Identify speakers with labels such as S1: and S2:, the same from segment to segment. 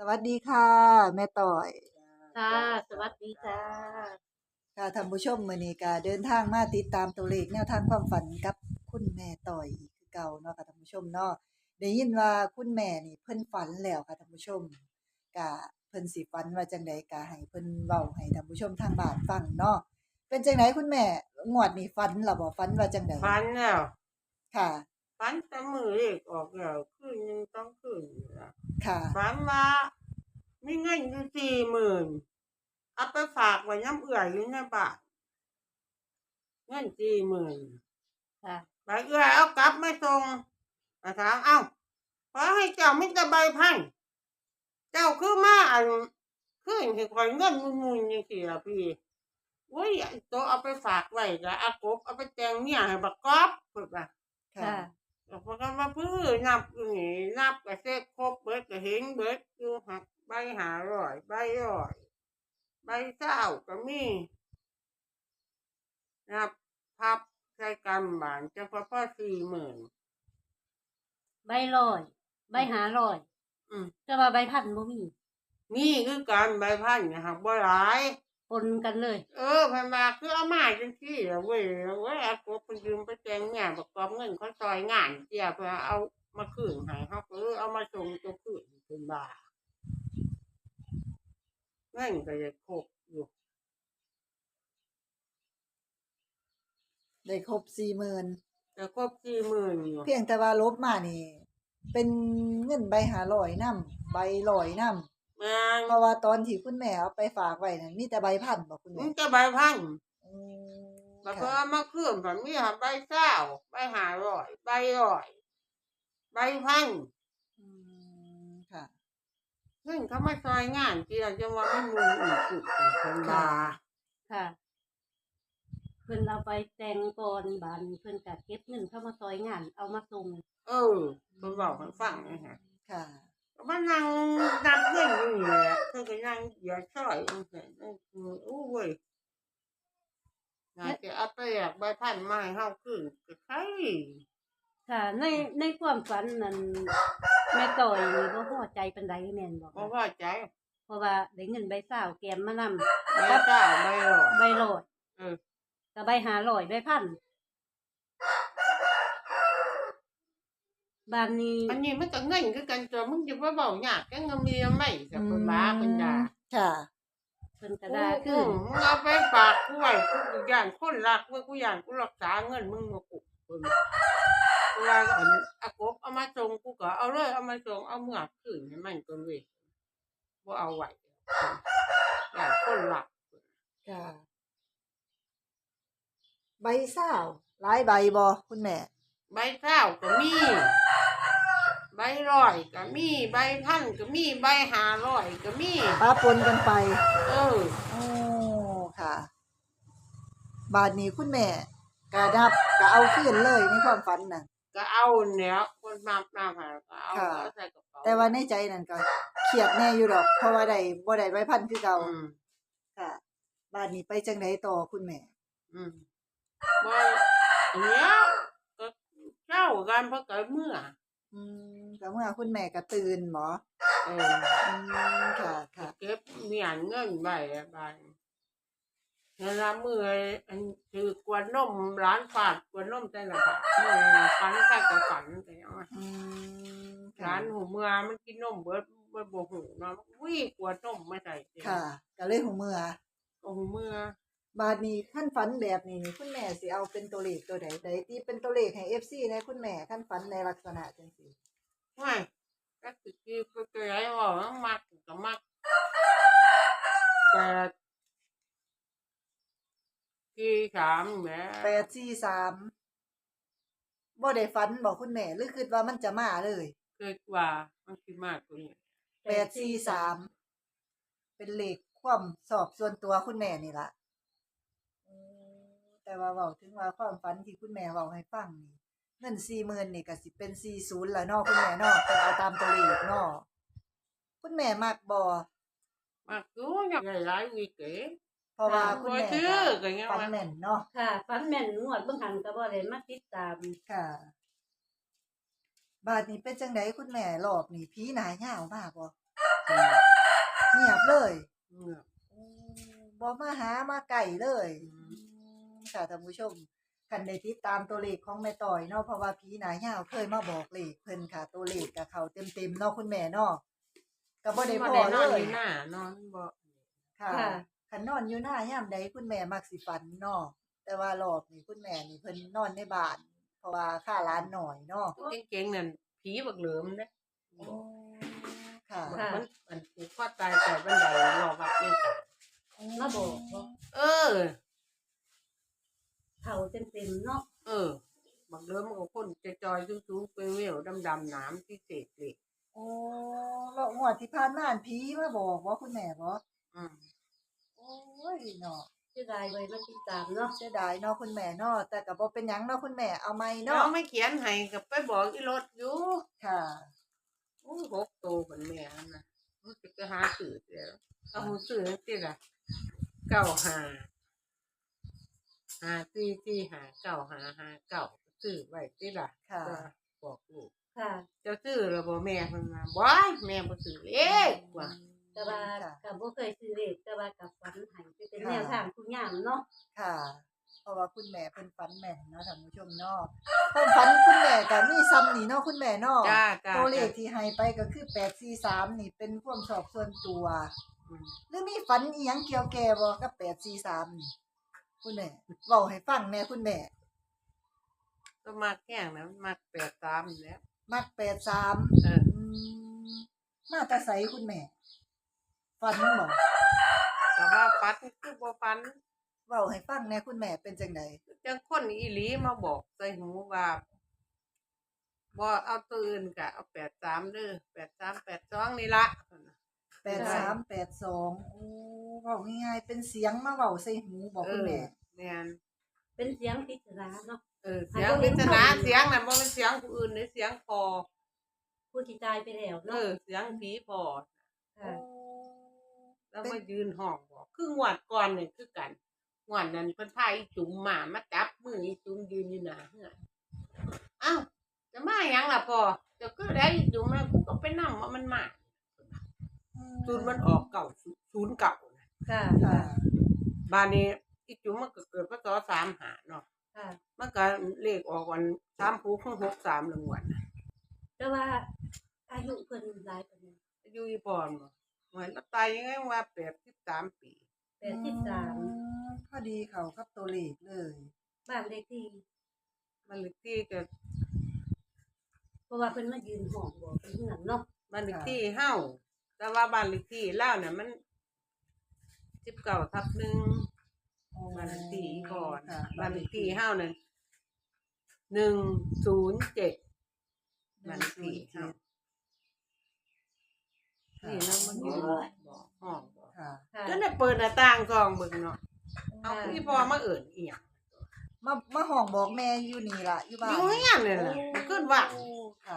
S1: วัสดีค่ะแม่ต่อย
S2: ค่ะสวัสดีจ้า
S1: ค่ะท่านผู้ชมมื้อนี้ก็เดินทางมาติดตามตัวเลขแนวทางความฝันกับคุณแม่ต่อยอีกคือเก่าเนาะค่ะท่านผู้ชมเนาะได้ยินว่าคุณแม่นี่เพิ่นฝันแล้วค่ะท่านผู้ชมก็เพิ่นสิฝันว่าจังใดก็ให้เพิ่นเว้าให้ท่านผู้ชมทางบ้านฟังเนาะเป็นจังไดคุณแม่งวดนี้ฝันล่ะบ่ฝันว่าจังใด
S2: ฝันแล้ว
S1: ค่ะ
S2: ฝันแต่มือเลขออกแล้วคืนหนึงต้องคืนนี่ล่ะ
S1: ค่ะ
S2: ฝันว่ามีเงินอยู่40,000เอาไปฝากไว้น้ำเอื่อยอยู่ในบ้านเงิน40,000
S3: ค่ะ
S2: ใบเอื่อยเอากลับมาส่งก็ถามเอ้าขอให้เจ้ามีแต่ใบพันเจ้าคือมาคืนให้ข้อยเงินมุนๆจังซี่ล่ะพี่โอ้ยไอ้โตเอาไปฝากไว้ก็อากบเอาไปแต่งเมียให้บักกอบเพิ่นว่า
S1: ค่ะ
S3: ค่ะ
S2: แล้วพอกันมาพื้อนับอยู่นี่นับก็เสร็จครบเบิดก็เห็นเบิดอยู่หักใบ500ใบ100ใบ20ก็มีนับพับใส่กำบานจังพอ40,000
S3: ใบลอยใบหาลอย
S2: อืม
S3: แต่ว่าใบพันบ่มี
S2: มีคือกันใบพันเนี่ยหักบ่หลาย
S3: ปนกันเลย
S2: เพิ่นว่าคือเอามาจังซี่ล่ะเว้ยอากบเพิ่นยืมไปแต่งเมียบักกอบเงินเขาซอยงานเจียเพิ่นเอามาคืนให้เฮาก็เอามาส่งตัวคืนเพิ่นว่าเงินก็จะครบอยู่
S1: ได้ครบ40,000
S2: แต่ครบ40,000อยู่
S1: เพียงแต่ว่าลบมานี่เป็นเงินใบ500นำใบ100นำ
S2: แม่น
S1: เพราะว่าตอนที่คุณแม่เอาไปฝากไว้นั่นมีแต่ใบพันบ่คุณ
S2: มั
S1: แม่
S2: นจะใบพัน
S1: อืม
S2: แล้วก็
S1: ค่ะ
S2: เอามาคืนแบบมีหาใบเศร้าใบ500ใบ100ใบพัน
S1: อืค่ะ
S2: ซึ่งเขามาซอยงานที่เราจะว่ามันมุงอีกจุดเพิ่นว่า
S3: ค่ะเพิ่นเอาไปแต่งก่อนบานเพิ่นก็เก็บเงินเข้ามาซอยงานเอามาส่ง
S2: เออเพิ่นบอกให้ฟังนะฮะ
S1: ค่ะ
S2: ก็มานั่งนับเงินอยู่นี่แหละเพิ่นก็นั่งเหยียดซอยจังซี่นั่นคือโอ้เว้ยน่าจะเอาไปแลกใบพันมาให้เฮาคืนก็ใช่
S3: ค่ะในความฝันนั้นแม่ต่อยนี่บ่พอใจปานใดแม่นบ่
S2: บ่
S3: คะ
S2: พอใจ
S3: เพราะว่าได้เงินใบ20แกมมานำ
S2: ใบเศร้าใบ100
S3: ใบลอย
S2: เออ
S3: กับใบหาลอยใบพันบานนี้
S2: อันนี้มันก็เงินคือกันตัวมึงจะว่าเบาหยากก็เงินมีไม่สับคนบ้าคนด่า
S1: ค่ะ
S3: เพิ่นก็ด่าขึ้น
S2: มึงเอาไปฝากกูไว้กูย่านคนรักเมื่อกูย่านกูรักษาเงินมึงมากูคนเวลาอันอากบเอามาส่งกูก็เอาเลยเอามาส่งเอาเมื่อคืนให้มันตัวเว้ยว่าเอาไว้ย่านคนรัก
S1: ค่ะใบซาวหลายใบบ่คุณแม่
S2: ใบเท้าก็มีใบร้อยก็มีใบพันก็มีใบ500ก็มี
S1: ปะปนกันไป
S2: เออ
S1: โอ้ค่ะบาดนี้คุณแม่ก็นับก็เอาคืนเลยในความฝันน่ะ
S2: ก็เอาเนี่ยคนมาหาก็เอา
S1: ค่ะ
S2: เอาใส่กระเป๋า
S1: แต่ว่าในใจนั่นก็เครียดแน่อยู่ดอกเพราะว่าได้บ่ได้ใบพันคือเก่า
S2: อืม
S1: ค่ะบาดนี้ไปจังไดต่อคุณแม่
S2: อืมบ่เนี่ยก็เจ้ากันเพราะเกิดเมื่อ
S1: อืก็เมื่อคุณแม่ก็ตื่นบ่
S2: เออ
S1: อืมค่ะค่ะ
S2: เก็บเมียนเงินไว้อะบานเวลาเมื่อยอันคือกวนนมร้านฝาดกวนนมแต่ละฝาดเมื่อยฝันแค่กับฝันแต่ยังว่า
S1: อืมค่ะ
S2: ร้านหูเมื่อมันกินนมเบิดบ่หูเนาะวิ่งกวนนมมาใส่เต็ม
S1: ค่ะก็เลยหูเมื่อ
S2: โอ้เมื่อ
S1: บาดนี้คันฝันแบบนี้นี่คุณแม่สิเอาเป็นตัวเลขตัวใดใดที่เป็นตัวเลขให้ FC แหน่คุณแม่คันฝันในลักษณะจังซี่
S2: ไม่ก็คือไปไหนว่ามักก็มักแต่ที่สามแหม
S1: 843บ่ได้ฝันบ่คุณแม่หรือคิดว่ามันจะมาเลย
S2: คิดว่ามันสิมากกว่านี้
S1: 843เป็นเลขความชอบส่วนตัวคุณแม่นี่ล่ะอืแต่ว่าเว้าถึงว่าความฝันที่คุณแม่เว้าให้ฟังนี่เงิน40,000นี่ก็สิเป็น40แล้วเนาะคุณแม่เนาะเพิ่นเอาตามตัวเลขเนาะคุณแม่มักบ่
S2: มักอยู่อยากได้หลายวีเก๋
S1: เพราะว่าคุณ
S2: บ่
S1: แม่
S2: ซื้อ
S1: ก็
S2: ก็ยัง
S1: ฝัน
S2: ว่า
S1: แม่นเนาะ
S3: ค่ะฝันแม่นงวดเบิ่งหันก็บ่ได้มาติดตาม
S1: ค่ะบาดนี้เป็นจังไดคุณแม่รอบนี้ผีหน้ายาวมาบ่เลย
S2: เงียบ
S1: บ่มาหามาไก่เลย
S2: อืม
S1: ค่ะท่านผู้ชมคันได้ติดตามตัวเลขของแม่ต่อยเนาะเพราะว่าผีหน้ายาวเคยมาบอกเลขเพิ่นค่ะ ตัวเลขกับเขาเต็มๆเนาะคุณแม่เนาะก็บ่ได้
S2: บ่
S1: พอ
S2: ได้น
S1: เล
S2: อน
S1: ย
S2: อยู่หน้านอนบ่
S1: ค่ะคันนอนอยู่หน้ายามใดคุณแม่มักสิฝันเนาะแต่ว่ารอบนี้คุณแม่นี่เพิ่นนอนในบ้าน เพราะว่าค่าร้านน้อยเนาะ
S2: เก่งๆนั่นผีบักเหลิมเด้
S1: ค่ะ
S3: ค่ะ
S2: มันผูกคอตายใส่บันไดรอวัดเนี่ยจ้ะ
S3: มาบอกบ่
S2: เออ
S3: เขาเต็มๆเนาะ
S2: เออ บักเหลิมมันก็คนจอยๆสูงๆเปลวๆดำๆหนามที่เศษเหล็ก
S1: โอ้แล้วงวดที่ผ่านมาอันผีมาบอกบ่คุณแม่บ่
S2: อืม
S1: โอ้ยเนาะ
S3: เสียดายไว้มาติดตามเนาะ
S1: เสียดายเนาะคุณแม่เนาะแต่ก็บ่เป็นหยังเนาะคุณแม่เอาใหม่
S2: น้อ
S1: เนาะ
S2: งไม่เขียนให้ก็ไปบอกอีรถอยู่
S1: ค่ะ
S2: โอ้6โตเหมือนแม่นั่นน่ะรู้สึกจะหาซื้อแล้วเอาหูซื้อจังซี่ล่ะ95 54459559ซื้อไว้ติล่ะ
S1: ค่ะ
S2: ก็บอกลูก
S3: ค่ะ
S2: เจ้าซื้อแล้วบ่แม่เพิ่นว่าบ่ยแม่บ่ซื้อเลขว่ะ
S3: แต่ว่า
S1: ค่ะ
S3: ก็บ่เคยซื้อเลขแต่ว่ากับฝันให้ไปเป็นแนวทางทุกอย่างเนาะ
S1: ค่ะ เพราะว่าคุณแม่เพิ่นฝันแม่นเนาะท่านผู้ชมเนาะความฝันคุณแม่ก็มีซ้ำนี่เนาะคุณแม่เนาะ
S2: จ้า
S1: ตัวเลขที่ให้ไปก็คือ843นี่เป็นความชอบส่วนตัว
S2: อืม
S1: หรือมีฝันอีหยังเกี่ยวแก่บ่กับ843นี่คุณแม่เว้าให้ฟังแหน่คุณแม่
S2: ก็มักแห้งนะมัก83นี่แหล้ว
S1: มัก83
S2: เออ
S1: มาแต่ไสคุณแม่ฝันบ่
S2: แต่ว่าฟันคือบ่ฟัน
S1: เว้าให้ฟังแหน่คุณแม่เป็นจังได๋
S2: จังคนอีหลีมาบอกใส่หูว่าบ่เอาตัวอื่นก็เอา83เด้อ83 82นี่ล่ะ
S1: 8382โอ้เว้าง่ายๆเป็นเสียงมาเว้าใส่หูบ่คุณแม่
S2: แม่น
S3: เป็นเสียงปริศนาเนาะ
S2: เสียงปริศนาเสียงน่ะบ่เป็นเสียงผู้อื่นเด้เสียงพอ
S3: ผู้ที่ตายไปแล้วเนาะ
S2: เสียงผีพอ
S3: ค่ะ
S2: แล้วมายืนห้องบอกคืองวดก่อนนี่คือกันงวดนั้นเพิ่นพาอีจุ๋มมาจับมืออีจุ๋มยืนอยู่หน้าเฮือนอ้าวจะมาหยังล่ะพ่อเจะคือได้อีจุ๋มแล้วกูก็ไปนำว่ามันมาศูนย์มันออก09นะ
S3: ค่ะ
S1: ค่ะ
S2: บ้านนี้อีจุ๋มมันก็เกิดพศ35เนาะ
S3: ค่ะ
S2: มันก็เลขออกวัน3ผูก63รางวัลน่ะ
S3: แต่ว่าอายุเพิ่นหลายปานใด
S2: อายุอีพรบ่เหมือนตายยังไงว่า83ปี
S3: 83
S1: พอดีเขากับตัวเลขเลย
S3: บ้านเลขที่
S2: มันเลขที่ก็
S3: เพราะว่าเพิ่นมายืนห้องบอกเป็นเฮือนเนาะ
S2: บ้านเลขที่เฮาแต่ว่าบ้านเลขที่ลาวน่ะมัน19/1บ้านเลขที่ก่อน
S1: ค่ะ
S2: บ้านเลขที่เฮานั่น107บ้านเลขที่เฮานี่เรามันยืนบอกห้องบอก
S1: ค่ะ
S3: ค่ะ
S2: จนได้เปิดหน้าต่างซองเบิ่งเนาะเอาพี่พ่อมาเอิ้นอีหยัง
S1: มาห้องบอกแม่อยู่นี่ล่ะอยู่บ้าน
S2: อยู่เฮียนนี่ล่ะมันขึ้นว่า
S1: โอ้ค่ะ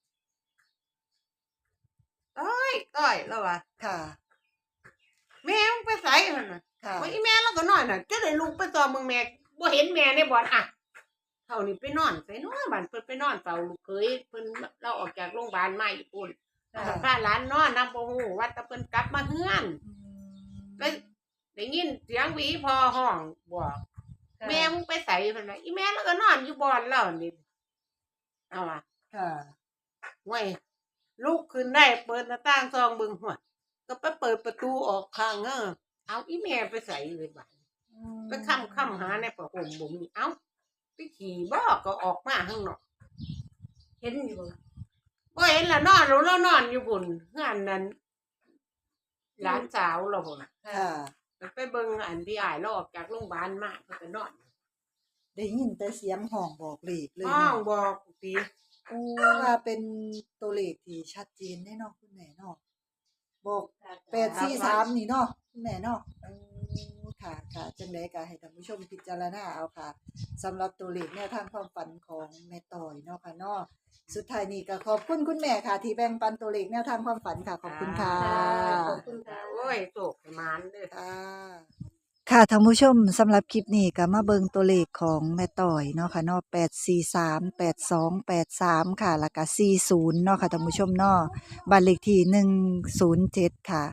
S2: ต้อยแล้วว่า
S1: ค่ะ
S2: แม่มึงไปไสหั่นน่ะ
S1: ค่ะ
S2: ว่าอีแม่เราก็นอนน่ะจะได้ลุกไปตอมมึงแม่บ่เห็นแม่ในบ่อนอ่ะเท่านี้ไปนอนไสเนาะบ้านเพิ่นไปนอนเฝ้าลูกเขยเพิ่นเราออกจากโรงพยาบาลมาญี่ปุ่น
S1: ค่ะ
S2: พาหลานนอนนำบ่ฮู้ว่าแต่เพิ่นกลับมาเฮือนไปได้ยินเสียงหวีพอห้องบอก
S3: ค่ะ
S2: แม่มึงไปไสเพิ่นน่ะอีแม่เราก็นอนอยู่บ่อนแล้วนี่เอาว่ะ
S1: ค่ะ
S2: เว้ยลุกขึ้นได้เปิดหน้าต่างซองเบิ่งหัวก็ไปเปิดประตูออกข้างเอาอีแม่ไปไสเลยบัด ไปค่ำหาในผ้าห่มบ่มีเอ้าไปขี่บ่ก็ออกมาข้างนอก
S3: เห็นอยู่บ่
S2: บ่เห็นละนอนแล้วนอนอยู่บนเฮือนนั้นหลานสาวเราพุ่นน่ะ
S1: ค่ะ
S2: ไปเบิ่งอันที่อ้ายเราออกจากโรงพยาบาลมาเพิ่นก็นอน
S1: ได้ยินแต่เสียงห้องบอกเลขเลย
S2: ห้อง
S1: เนาะ
S2: บอกติ
S1: โอ้ว่าเป็นตัวเลขที่ชัดเจนแน่เนาะคุณแม่เนาะบอก843นี่เนาะคุณแม่เนาะโอ้ค่ะค่ะจังได๋ก็ให้ท่านผู้ชมพิจารณาเอาค่ะสำหรับตัวเลขแนวทางความฝันของแม่ต่อยเนาะค่ะเนาะสุดท้ายนี้ก็ขอบคุณคุณแม่ค่ะ ที่แบ่งปันตัวเลขแนวทางความฝันค่ะขอบคุณค่ะ
S3: ขอบคุณค่ะ
S2: โอ้ยโศกให้หมานเด้อ
S1: ค่ะท่านผู้ชมสำหรับคลิปนี้ก็มาเบิงตัวเลขของแม่ต่อยเนาะค่ะเนาะ843 8283ค่ะแล้วก็40เนาะค่ะท่านผู้ชมเนาะบ้านเลขที่107ค่ะ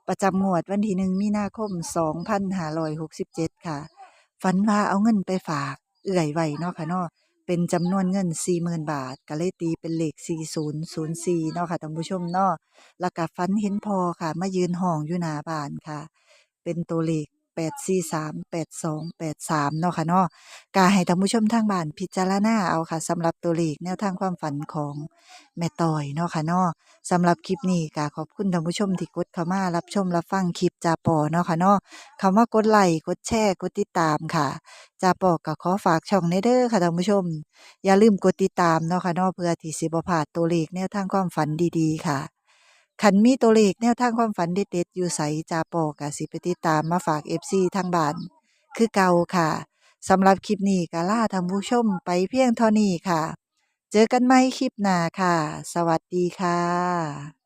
S1: ประจำงวดวันที่1มีนาคม2567ค่ะฝันว่าเอาเงินไปฝากเอื้อยไว้เนาะค่ะเนาะเป็นจำนวนเงิน40,000 บาทก็เลยตีเป็นเลข4004เนาะค่ะท่านผู้ชมเนาะแล้วก็ฝันเห็นพ่อค่ะมายืนห้องอยู่หน้าบ้านค่ะเป็นตัวเลข843 8283เนาะค่ะเนาะ ก็ให้ท่านผู้ชมทางบ้านพิจารณาเอาค่ะสำหรับตัวเลขแนวทางความฝันของแม่ต้อยเนาะค่ะเนาะสำหรับคลิปนี้ก็ขอบคุณท่านผู้ชมที่กดเข้ามารับชมรับฟังคลิปจาปอเนาะค่ะเนาะเข้ามากดไลค์กดแชร์กดติดตามค่ะจาปอก็ขอฝากช่องในเด้อค่ะท่านผู้ชมอย่าลืมกดติดตามเนาะค่ะเนาะเพื่อที่สิบ่พลาดตัวเลขแนวทางความฝันดีๆค่ะคันมีตัวเลขแนวทางความฝันเด็ดๆอยู่ไสจาปอก็สิไปติดตามมาฝาก FC ทางบ้านคือเก่าค่ะ สำหรับคลิปนี้ก็ลาท่านผู้ชมไปเพียงเท่านี้ค่ะ เจอกันใหม่คลิปหน้าค่ะ สวัสดีค่ะ